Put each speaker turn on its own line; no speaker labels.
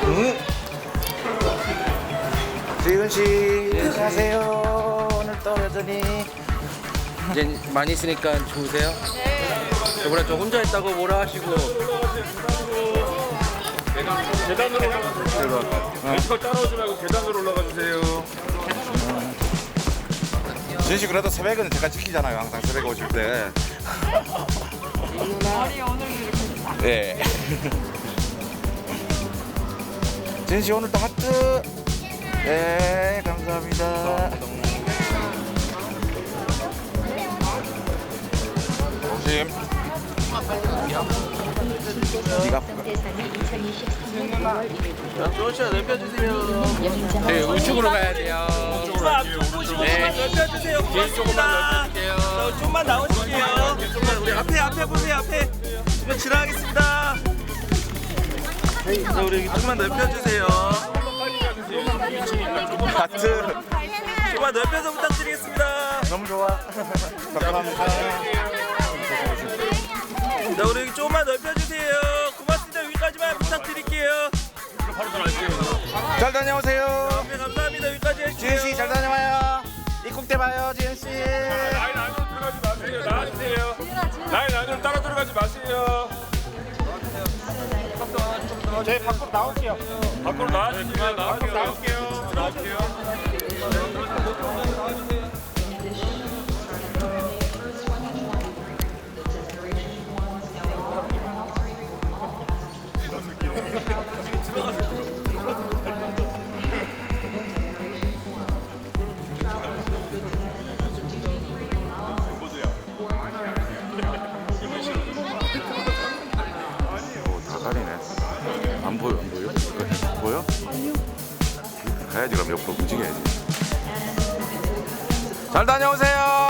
지은 씨, 안녕하세요. 오늘 또 여전히
이제 많이 있으니까 좋으세요? 네. 저번에 저 혼자 있다고 뭐라 하시고.
계단으로 올라가. 벤치컬 따라오지 말고 계단으로 올라가 주세요.
지은 씨 그래도 새벽은 제가 지키잖아요. 항상 새벽에 오실 때.
머리 오늘 이렇게
네. 지은 씨 오늘 또 하트. 네, 감사합니다. 조심. 네가
조시아 넓혀주세요. 네, 우측으로 가야 돼요.
앞쪽 보시고
네.
좀만 넓혀주세요.
뒤에 조금만
고맙습니다.
넓혀줄게요.
좀만 나오실게요. 우리 앞에 보세요. 앞에. 이거 지나가겠습니다. 자, 우리 여기 좀만 넓혀주세요.
하트.
좀만 넓혀서 부탁드리겠습니다.
너무 좋아. 감사합니다.
자, 우리 여기 조금만 넓혀주세요. 고맙습니다. 여기까지만 부탁드릴게요.
잘 다녀오세요.
네, 감사합니다. 여기까지 해주세요.
지은 씨 잘 다녀와요. 입국 때 봐요, 지은 씨.
라인 안으로 들어가지 마세요. 나와주세요. 라인 안으로 따라 들어가지 마세요.
저희 밖으로 나올게요.
밖으로 나와주세요. 나올게요.
다 가리네. 안 보여, 안 보여? 보여? 가야지, 그럼 옆으로 움직여야지. 잘 다녀오세요.